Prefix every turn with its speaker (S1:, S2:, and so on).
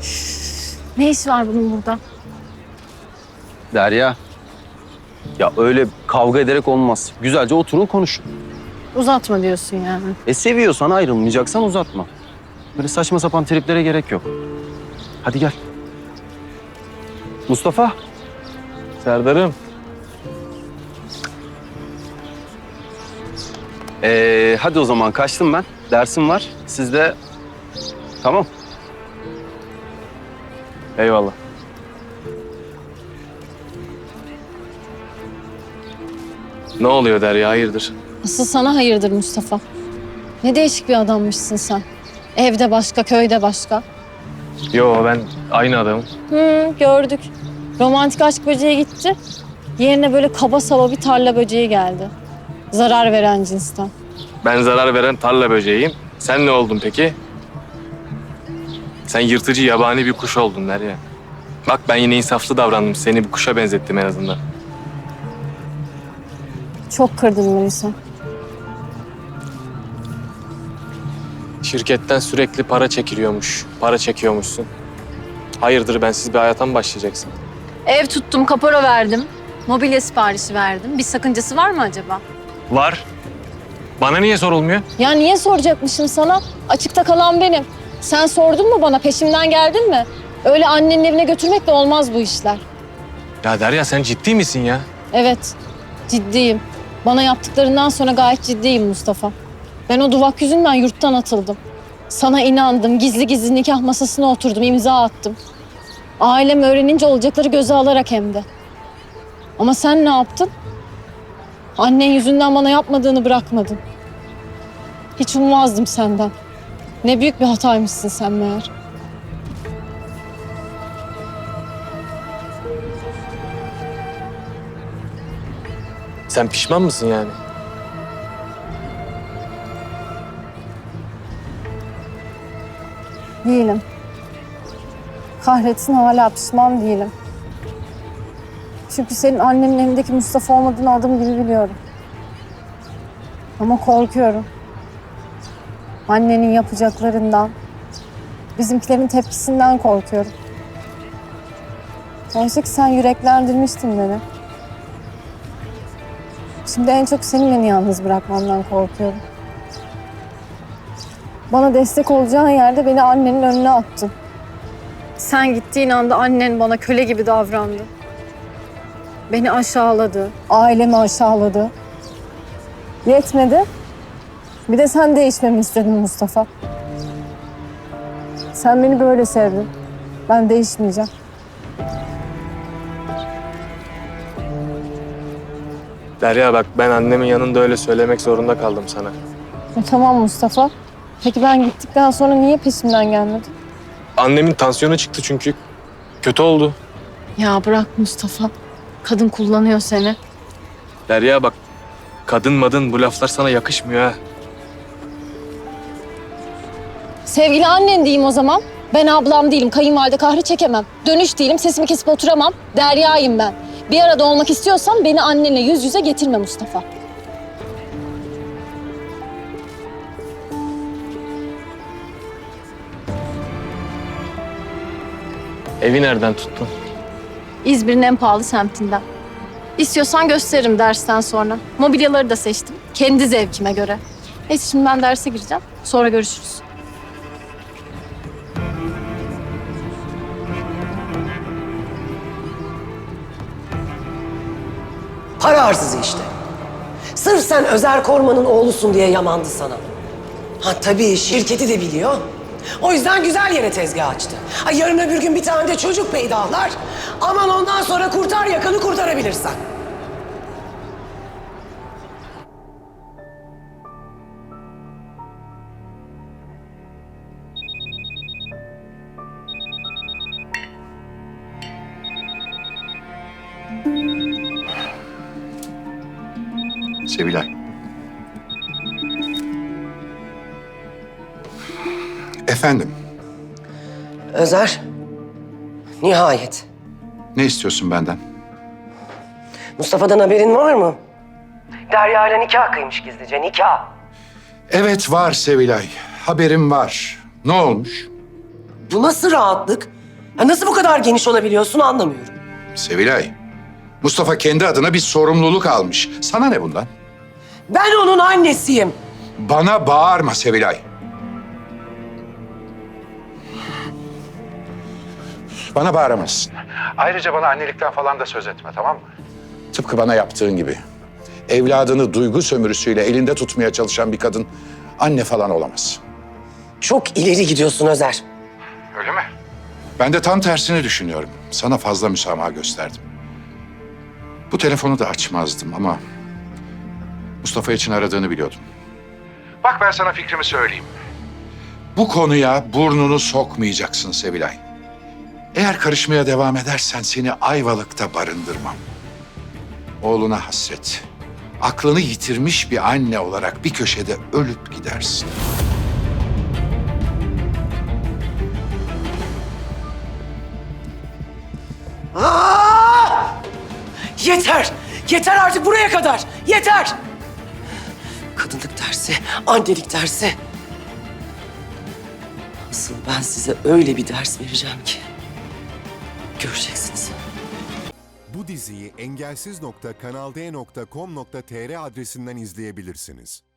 S1: Ne iş var bunun burada?
S2: Derya. Ya öyle kavga ederek olmaz. Güzelce oturun konuşun.
S1: Uzatma diyorsun yani.
S2: Seviyorsan ayrılmayacaksan uzatma. Böyle saçma sapan triplere gerek yok. Hadi gel. Mustafa.
S3: Serdar'ım.
S2: Hadi o zaman kaçtım ben. Dersim var. Siz de... Tamam.
S3: Eyvallah. Ne oluyor Derya, hayırdır?
S1: Asıl sana hayırdır Mustafa. Ne değişik bir adammışsın sen. Evde başka, köyde başka.
S3: Yo, ben aynı adamım.
S1: Gördük. Romantik aşk böceği gitti. Yerine böyle kaba saba bir tarla böceği geldi. Zarar veren cinsten.
S3: Ben zarar veren tarla böceğiyim. Sen ne oldun peki? Sen yırtıcı yabani bir kuş oldun Derya. Bak ben yine insaflı davrandım. Seni bir kuşa benzettim en azından.
S1: Çok kırdın beni sen.
S3: Şirketten sürekli para çekiliyormuş. Para çekiyormuşsun. Hayırdır, bensiz bir hayata mı başlayacaksın?
S1: Ev tuttum, kapora verdim. Mobilya siparişi verdim. Bir sakıncası var mı acaba?
S3: Var. Bana niye sorulmuyor?
S1: Ya niye soracakmışım sana? Açıkta kalan benim. Sen sordun mu bana? Peşimden geldin mi? Öyle annenin evine götürmekle olmaz bu işler.
S3: Ya Derya, sen ciddi misin ya?
S1: Evet, ciddiyim. Bana yaptıklarından sonra gayet ciddiyim Mustafa. Ben o duvak yüzünden yurttan atıldım. Sana inandım, gizli gizli nikah masasına oturdum, imza attım. Ailem öğrenince olacakları göze alarak hem de. Ama sen ne yaptın? Annen yüzünden bana yapmadığını bırakmadın. Hiç ummazdım senden. Ne büyük bir hataymışsın sen meğer.
S3: Sen pişman mısın yani?
S1: Değilim. Kahretsin hala pişman değilim. Çünkü senin annenin evindeki Mustafa olmadığını adım gibi biliyorum. Ama korkuyorum. Annenin yapacaklarından, bizimkilerin tepkisinden korkuyorum. Oysa ki sen yüreklendirmiştin beni. Şimdi en çok senin beni yalnız bırakmandan korkuyorum. Bana destek olacağın yerde beni annenin önüne attın. Sen gittiğin anda annen bana köle gibi davrandı. Beni aşağıladı, ailemi aşağıladı. Yetmedi. Bir de sen değişmemi istedin Mustafa. Sen beni böyle sevdin. Ben değişmeyeceğim.
S3: Derya bak, ben annemin yanında öyle söylemek zorunda kaldım sana.
S1: Tamam Mustafa. Peki ben gittikten sonra niye peşimden gelmedin?
S3: Annemin tansiyonu çıktı çünkü. Kötü oldu.
S1: Ya bırak Mustafa. Kadın kullanıyor seni.
S3: Derya bak, kadın madın bu laflar sana yakışmıyor ha.
S1: Sevgili annen diyeyim o zaman. Ben ablam değilim, kayınvalide kahrı çekemem. Dönüş değilim, sesimi kesip oturamam. Derya'yım ben. Bir arada olmak istiyorsan beni annenle yüz yüze getirme Mustafa.
S3: Evi nereden tuttun?
S1: İzmir'in en pahalı semtinden. İstiyorsan gösteririm dersten sonra. Mobilyaları da seçtim. Kendi zevkime göre. Neyse şimdi ben derse gireceğim. Sonra görüşürüz.
S4: Para hırsızı işte. Sırf sen Özer Korman'ın oğlusun diye yamandı sana. Ha tabii şirketi de biliyor. O yüzden güzel yere tezgah açtı. Ha, yarın öbür gün bir tane de çocuk peydahlar. Aman ondan sonra kurtar yakanı kurtarabilirsen.
S5: Sevilay. Efendim,
S4: Özer, nihayet.
S5: ne istiyorsun benden?
S4: Mustafa'dan haberin var mı? Derya ile nikah kıymış gizlice, nikah.
S5: Evet var Sevilay, haberim var. Ne olmuş?
S4: Bu nasıl rahatlık? Ya nasıl bu kadar geniş olabiliyorsun anlamıyorum.
S5: Sevilay, Mustafa kendi adına bir sorumluluk almış. Sana ne bundan?
S4: Ben onun annesiyim.
S5: Bana bağırma Sevilay. Bana bağıramazsın. Ayrıca bana annelikten falan da söz etme, tamam mı? Tıpkı bana yaptığın gibi. Evladını duygu sömürüsüyle elinde tutmaya çalışan bir kadın anne falan olamaz.
S4: Çok ileri gidiyorsun Özer.
S5: Öyle mi? Ben de tam tersini düşünüyorum. Sana fazla müsamaha gösterdim. Bu telefonu da açmazdım ama Mustafa için aradığını biliyordum. Bak ben sana fikrimi söyleyeyim. Bu konuya burnunu sokmayacaksın Sevilay. Eğer karışmaya devam edersen seni Ayvalık'ta barındırmam. Oğluna hasret, aklını yitirmiş bir anne olarak bir köşede ölüp gidersin.
S4: Aa! Yeter! Yeter artık buraya kadar! Yeter! Kadınlık dersi, annelik dersi. Asıl ben size öyle bir ders vereceğim ki göreceksiniz.
S6: Bu diziyi engelsiz.kanalde.com.tr adresinden izleyebilirsiniz.